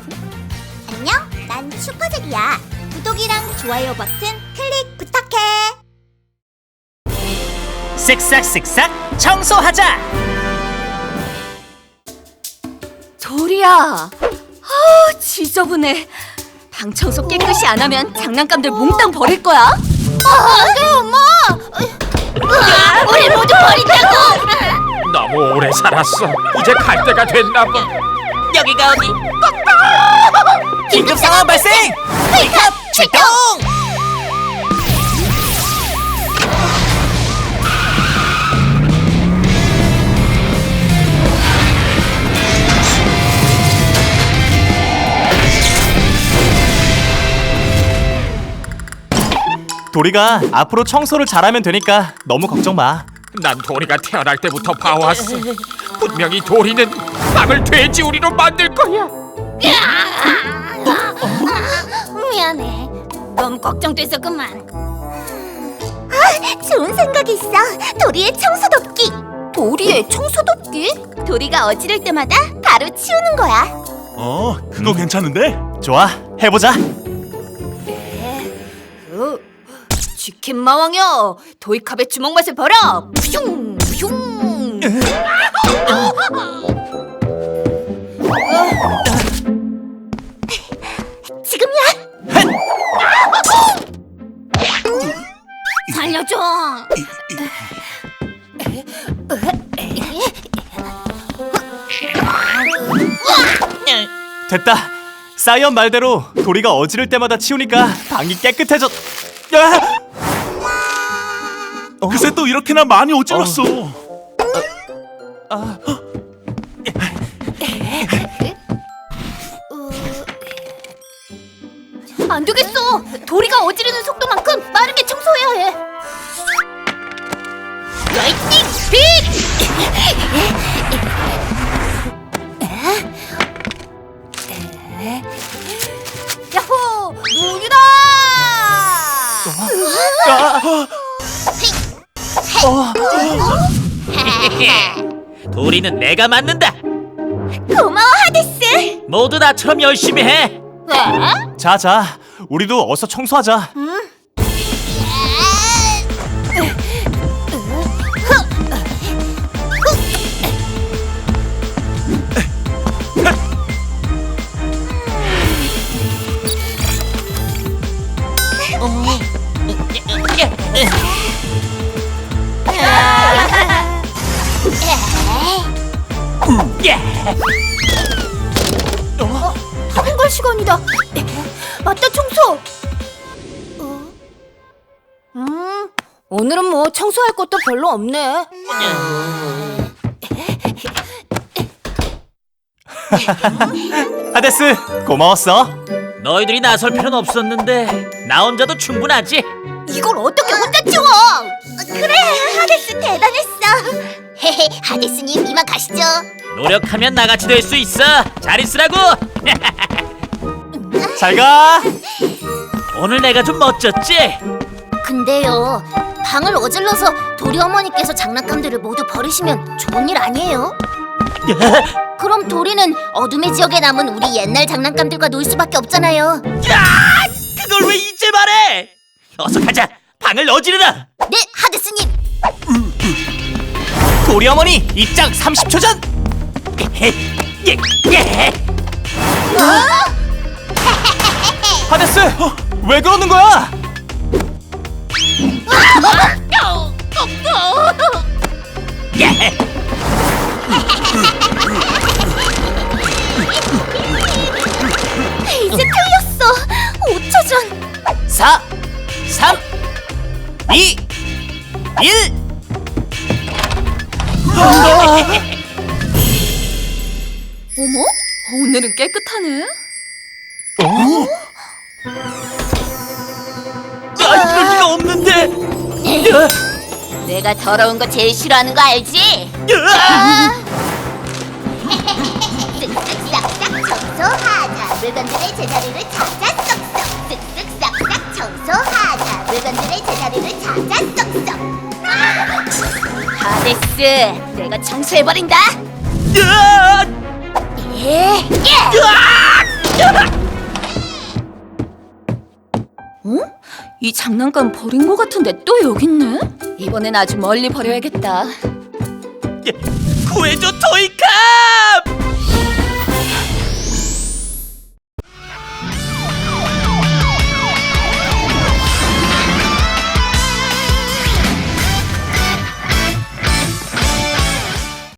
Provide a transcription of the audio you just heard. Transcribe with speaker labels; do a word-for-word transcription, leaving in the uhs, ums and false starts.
Speaker 1: 안녕, 난 슈퍼잭이야. 구독이랑 좋아요 버튼 클릭 부탁해.
Speaker 2: 쓱싹쓱싹 청소하자.
Speaker 3: 도리야, 아 지저분해. 방 청소 깨끗이 안 하면 장난감들 몽땅 버릴 거야.
Speaker 1: 아, 안돼 엄마. 우리 모두 버린다고.
Speaker 4: 너무 오래 살았어. 이제 갈 때가 됐나 봐.
Speaker 2: 여기가 어디? 긴급 상황 발생! 웨이크업 출동!
Speaker 5: 도리가 앞으로 청소를 잘하면 되니까 너무 걱정 마.
Speaker 4: 난 도리가 태어날 때부터 봐왔어. 분명히 도리는 방을 돼지우리로 만들 거야.
Speaker 1: 미안해.
Speaker 3: 너무 걱정돼서 그만.
Speaker 1: 아, 좋은 생각이 있어. 도리의 청소 돕기.
Speaker 3: 도리의 청소 돕기?
Speaker 1: 도리가 어지를 때마다 바로 치우는 거야.
Speaker 6: 어, 그거 괜찮은데?
Speaker 5: 좋아, 해보자.
Speaker 3: 어, 치킨 마왕이여, 도이캅의 주먹 맛을 봐라. 푸슝 푸슝.
Speaker 1: 지금이야.
Speaker 3: 살려줘.
Speaker 5: 됐다. 사이언 말대로 도리가 어지를 때마다 치우니까 방이 깨끗해졌. 야! 어?
Speaker 6: 글쎄 또 이렇게나 많이 어질렀어.
Speaker 5: 아,
Speaker 3: 안 되겠어. 도리가 어지르는 속도만큼 빠르게 청소해야 해. 라이트닝 스피드! 야호! 물이다!
Speaker 2: 도리는 내가 맡는다.
Speaker 1: 고마워 하데스.
Speaker 2: 모두 나처럼 열심히 해.
Speaker 3: 왜?
Speaker 5: 자자, 우리도 어서 청소하자.
Speaker 3: 학원 갈 시간이다. 맞다, 청소. 음, 오늘은 뭐 청소할 것도 별로 없네.
Speaker 5: 하데스, 고마웠어.
Speaker 2: 너희들이 나설 필요는 없었는데 나 혼자도 충분하지.
Speaker 3: 이걸 어떻게 혼자 치워?
Speaker 1: 그래, 하데스 대단했어. 헤헤, 하데스님 이만 가시죠.
Speaker 2: 노력하면 나같이 될 수 있어. 잘 있으라고.
Speaker 5: 잘 가.
Speaker 2: 오늘 내가 좀 멋졌지?
Speaker 1: 근데요, 방을 어질러서 도리 어머니께서 장난감들을 모두 버리시면 좋은 일 아니에요? 그럼 도리는 어둠의 지역에 남은 우리 옛날 장난감들과 놀 수밖에 없잖아요.
Speaker 2: 야! 그걸 왜 이제 말해? 어서 가자. 방을 어지르라.
Speaker 1: 네, 하데스님.
Speaker 5: 도리 어머니 입장 삼십 초 전.
Speaker 2: 예, 예.
Speaker 5: 하데스, 왜 그러는 거야?
Speaker 2: 예.
Speaker 1: 이제 틀렸어. 오 초 전.
Speaker 5: 사, 삼, 이, 일.
Speaker 3: 어머? 오늘은 깨끗하네.
Speaker 2: 아, 이럴 리가 없는데.
Speaker 1: 내가 더러운 거 제일 싫어하는 거 알지? 쓱쓱싹싹 청소하자. 물건들의 제자리를 찾아 쏙쏙. 쓱쓱싹싹 청소하자. 물건들의 제자리를 찾아 쏙쏙.
Speaker 3: 하데스, 내가 청소해버린다.
Speaker 2: 으아!
Speaker 1: 예, 예.
Speaker 2: 으아!
Speaker 3: 어? 이 장난감 버린 거 같은데 또 여기 있네? 이번엔 아주 멀리 버려야겠다.
Speaker 2: 구해줘, 토이.